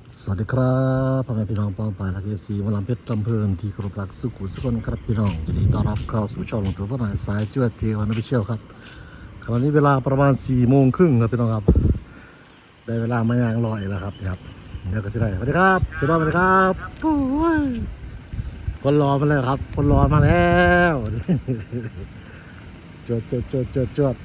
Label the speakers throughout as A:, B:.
A: สวัสดีครับพ่อแม่พี่น้องป้องปายและเอฟซีมาลำเพชรลำเพลินที่กรบรักสุขุสุขนครับพี่น้องยินดีต้อนรับเข้าสู่ช่องลงทุนพ่อหน่อยสายจวดเทวันพิเชียวครับขณะนี้เวลาประมาณ4:30ครับพี่น้องครับได้เวลามายางลอยแล้วครับเดี๋ยวก็จะได้สวัสดีครับสวัสดีครับโอ้ยคนรอมาแล้วครับคนรอมาแล้วจวด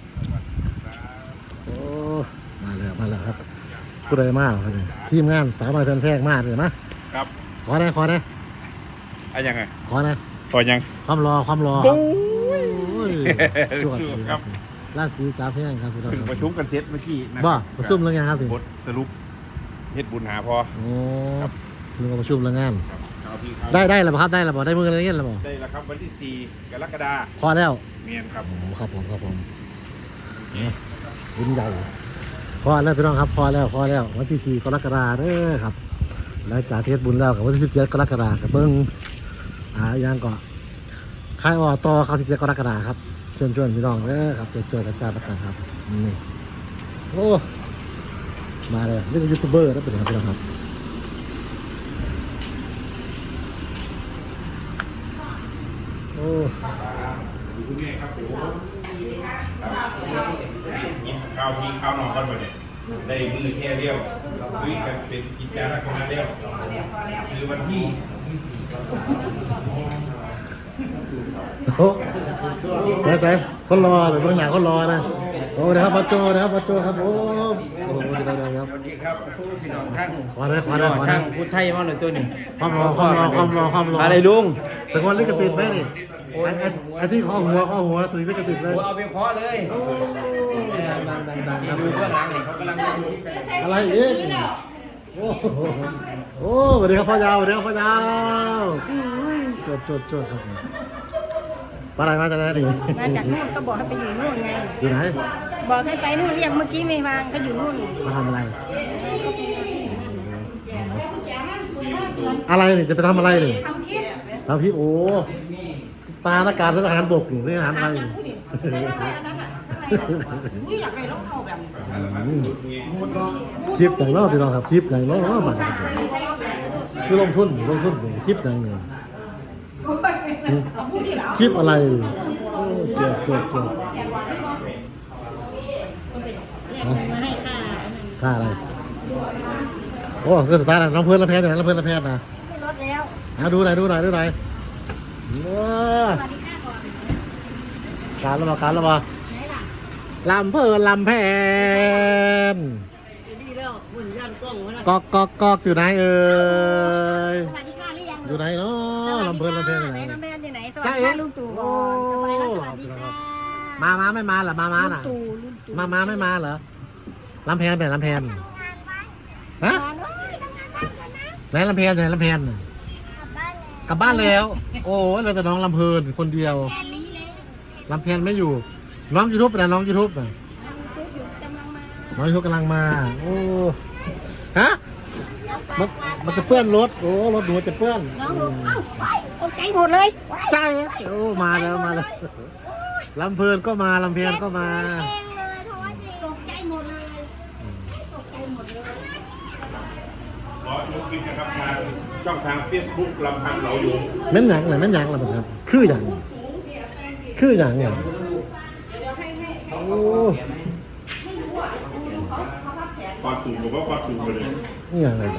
A: โอ้มาแล้วครับผู้ใดมาครับทีมงานสาวน้อยแพนแพงมากเลยนะครับขอได้
B: อะไรยังไง
A: ขอได้
B: ต่อยัง
A: ความรอครับจวด
B: ครับ
A: ราศีกาแพงครับพี่น้อง
B: ประชุมกันเสร็จเมื่อกี้นะ
A: บ้าประชุมแล้วไงครับพี่
B: บทสรุปเฮ็ดบุญหาพอ
A: โอ้ลืมประชุมแล้วงานได้แล้วครับได้แล้วได้มืออะไรเงี้ยแล้ว
B: ได้แล้วครับวันที่4 กรกฎาคม
A: พอแล้ว
B: เมียนครับ
A: ครับผมบุญใหญ่พอแล้วพี่น้องครับพอแล้ววันที่4 กรกฎาคมครับแล้วจากเทศบุญแล้วกับวันที่17 กรกฎาคมกับเบิ้งยังก็ค่ายต่อเขา17 กรกฎาคมครับเชิญชวนพี่น้องครับเจออาจารย์ประกันครับนี่โอ้มาเลยนี่เป็นยูทูบเบอร์นะเป็นพี่น้องครับโอ้
B: คุณแม่ครับกินข้าวกินข้าวนอนกันมาเนี่ยได้มือแค่เดียวคุยกันเป็นกิจจาระคนละเดียวคือวันที่
A: โอ้ใส่คนรอหรือเบื้องหน้าคนรอนะโอ้นะครับป้าโจครับโอ้
C: สวัสดีครับพี่น้องท่าน
A: ขอได้
C: ท่านพูดไทยมาเลยตัวนี้
A: ความรอ
C: อะไรลุง
A: สังวนลิขสิทธิ์ไหมนี่ไอ้ที่ข้อหัวสื่อลิขสิทธิ์เลย
C: เอาไปเคาะเลย
A: ดังครับ
C: ดูเบื้องหลังเขากำลัง
A: อะไรอีกโอ้สวัสดีครับพ่อยาวจดครับปอะไรมาจากไหนดิ
D: มาจากนู่นก็บอกให้ไปอยู่นู่นไง
A: อยู่ไหน
D: บอกให้ไปนู่นเรียกเมื่อกี้ไม่วางเขาอยู่นู่น
A: มาทำอะไรนี่จะไปทำอะไรนี่ทำคลิปโอ้ตาหน้ากากทหารบกนี่ทหารอะไรอยากไปร้องเขาแบบคลิปอย่างนอกพี่น้องครับคลิปอย่างนอกบัตรคือลงทุนคลิปอย่างนี้คลิปอะไรจดค่าอะไรโอ้คือสตาร์ทน้ำเพื่อนละแพทย์นะน้ำเพื่อนละแพทย์นะ
D: รถแล้ว
A: ดูหน่อยว้าการแล้วมาลำเพื่อนลำแพนกอกอยู่ไหนเอ่ยอยู่ไหนเนาะลำเพื่อนลำแพนอยู่ไหน
D: ลำแพนอยู่ไหนสวัสดีค่ะลุงตู่สวัสดีค่ะ
A: มาไม่มาเหรอมาน่ะมาไม่มาเหรอลำแพนลำแพนฮะไหนลำแพนกลับบ้านแล้วโอ้เราแต่น้องลำเพลินคนเดียวลำแพนไม่อยู่น้องยูทูบนะน้องยูทูบกำลังมาโอ้ฮะมันจะเปื้อนรถโอ้รถหนูจะเปื้อน
D: ตกใจหมดเลย
A: ใช่โอ้มาแล้วลำเพลินก็มาลำแพนก็มา
D: ตกใจหมดเลย
B: รอชมคลิปนะครับทางช่องทาง Facebook ลำพังเหลาอยู่
A: แม่นหยังล่ะครับคืออย่างโอ้
B: ควาดตูผมว่าควาดตูไปเลย
A: นี่อย่างไร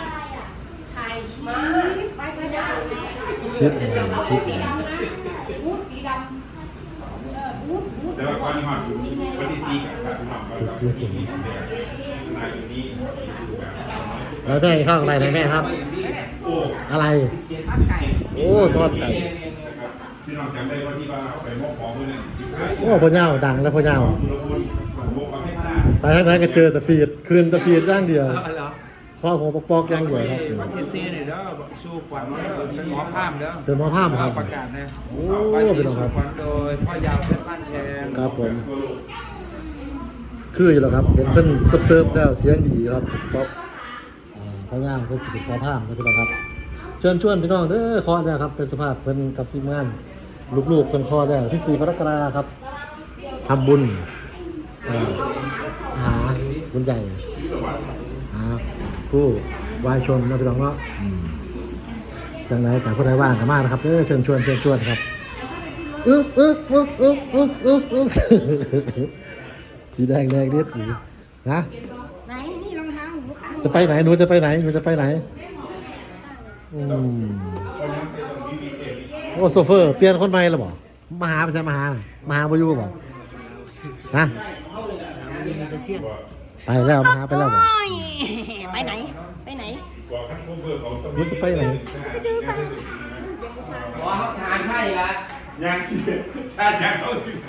A: คลิป
B: แต่ว่าความที่หอดอยู่วันที่4 กับคุณหมอกับที่นี่นายอยู่นี่
A: แล้วแม่ข้าวอะไรนะแม่ครับอะไรโอ้ทอดไก่
B: พี่น้องจำได้ว่าที่ว่าไปมอบของมือเนี่ย
A: โอ้พ่อเจ้าดังแล้วพ่อเจ้าไปทางไหนก็เจอแต่ฟีดคืนแต่ฟีดย่างเดียวข้อหัวปอกย่างเดียวครับ
C: วันที่4นี่แล้วสู้ขวัญเป็นหมอภาพแล้ว
A: เป็นหมอภาพครับ
C: ประกาศนะ
A: โอ้เป็นหมอภาพ
C: โดยพ่อยาวเป็นบ้านแทน
A: ครับผมคืออยู่แล้วครับเห็นเพิ่นเซิร์ฟแล้วเสียงดีครับป๊อปพญาเพิ่นสิเป็นหมอภาพครับเชิญชวนพี่น้องเด้อขอแล้วครับเป็นสภาพเพิ่นกับทีมงานลูกๆเพิ่นขอแล้วที่4 กรกฎาคมครับทำบุญหาบุญใหญ่ผู้วายชนนะพี่น้องเนาะจังไรกับผู้ใดว่างกันมากนะครับเชิญชวนครับสีแดงนิดสีนะ
D: ไหนนี่รองเท้าหนูค่ะ
A: จะไปไหนหนูจะไปไหนโอ้โซเฟอร์เปลี่ยนคนใหม่แล้วบ่มาหาไปใช่มาหาบอยู่บ่นะไปแล้วมาหาไปแล้วบ่
D: โอ้ยไปไหน
B: บอกขั้นผู้เบื่อเขาต้อง
A: หนูจะไปไหน
C: ว่าทานใช่ละ
B: ย่างที่ถ้าย่างเขาที่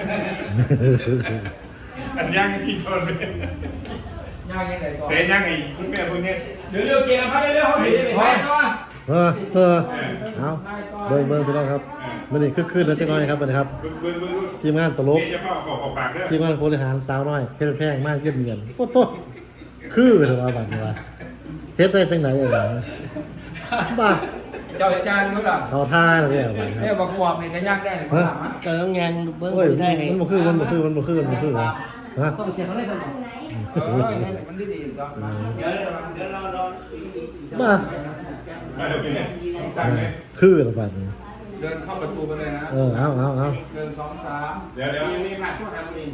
B: อันย่างที่ชนเลย
C: ย่างยังไงก่อน
B: แต่ย่างไอ้คุณแม่พวกนี้
C: เดี๋ยวเกมพัดเร็วเขาเห็นไปแทนก่อน
A: เอาเบิ่งพี่น้องครับมันนี่ขึ้นแล้วจังน้อยครับนะครับ
B: เบิ้ง
A: ทีมงานตลก
B: จะเข้าขอบปากเด้อ
A: ทีมงานบริหารสาวน้อยเพชรแพงมากเยี่ยมเยียนโคตรคือเถอะว่าบัดนี้ว่าเฮ็ดได้จังไหนบ้า
C: เจ้าอาจารย์รู้หรอ
A: เขาท่าแล้วเนี่ยบัดค
C: เนี่ย
A: รับ
C: บอกวอมเนี่ยก็ย่างได้เลยมาถามอ่ะ
E: เกิดงานเบิ้ง
A: โอ้ย
E: ได้ไง
A: มันบ่คือมันบ่คือวะฮะ
E: ต้องเสียเขาได้ตลอด
C: มันดีจ้ะเดี๋ยวเรา
A: บ้า
B: มาเดี๋ยวเป็นตั้งเลย
A: คือละบัดนี้
C: เดินเข้าประตูไปเลยนะ
A: เอา
C: เดิน2 3
B: เดี๋ยว
C: มีผ่านทุกทางเลย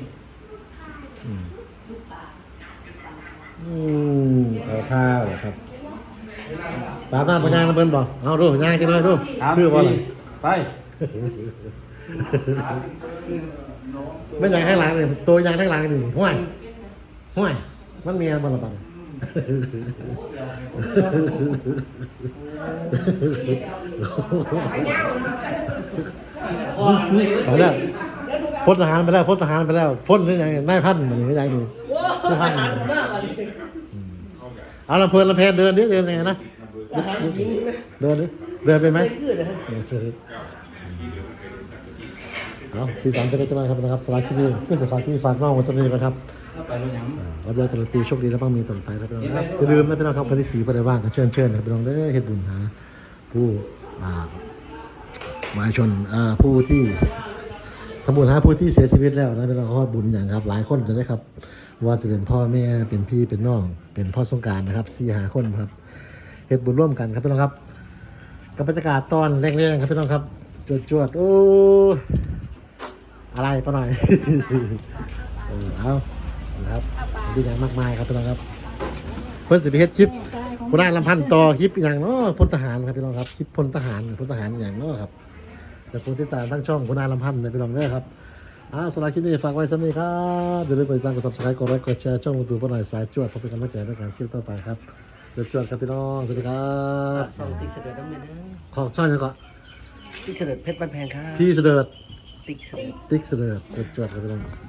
A: เขาท่าเหรอครับตามหน้าพญาเบิ่นบ่เอาดูย่างจังหน่อยดูคือบ่ล่ะ
C: ไป
A: ไม่อยากให้หลังเลยตัวยางทั้งหลังนี่ห่วยมันเมียบ่ละบัดไปแล้วพลทหารไปแล้วพลนี่ยังนายพันมันนี่ยังดีผู้พันเอาลำเพลินเดินเดินยังไงนะเดินเป็นไหมเอาสีสันจะได้จะมาครับนะครับสลากที่นี่เพื่อสลากที่ฝากน้องวันนี้นะครับรับยาตลอดปีโชคดีและบ้างมีต่อไปครับพี่น้องครับอย่าลืมนะพี่น้องครับวันที่4วันใดว่างก็เชิญนะพี่น้องเด้อเฮ็ดบุญหาผู้หมายชนผู้ที่ทำบุญหาผู้ที่เสียชีวิตแล้วนะพี่น้องขอบุญอย่างครับหลายคนจะได้ครับว่าจะเป็นพ่อแม่เป็นพี่เป็นน้องเป็นพ่อสงกรานต์นะครับ4-5 คนครับเฮ็ดบุญร่วมกันครับพี่น้องครับกับบรรยากาศตอนแรกๆครับพี่น้องครับจวดโอ้อะไรปะหน่อย เอานะครับดีอย่างมากมายครับพี่น้องครับเพื่อนสิบเฮ็ดคลิปคุณนายลำพันธ์ต่อคลิปอย่างเนาะพลทหารครับพี่น้องครับคลิปพลทหารอย่างเนาะครับจากคนที่ตามทั้งช่องคุณนายลำพันธ์นะพี่น้องเด้อครับสำหรับคลิปนี้ฝากไว้สักนิดครับอย่าลืมกดติดตามกด Subscribe กดไลค์กดแชร์ช่องYouTube พลหน่อยสายจวดเพื่อเป็นกำลังใจในการคลิปต่อไปครับจวดครับพี่น้องสวัสดีครับ
E: สองติ๊กเสด็จต้องเลยนะ
A: ขอช่องยังก่อน
E: ติ๊กเสด็จเพชรบ้านแพงครับ
A: พี่เสด็จ
E: ติ๊กเสด็จ
A: ติ๊กเสด็จจวดครับพี่น้อง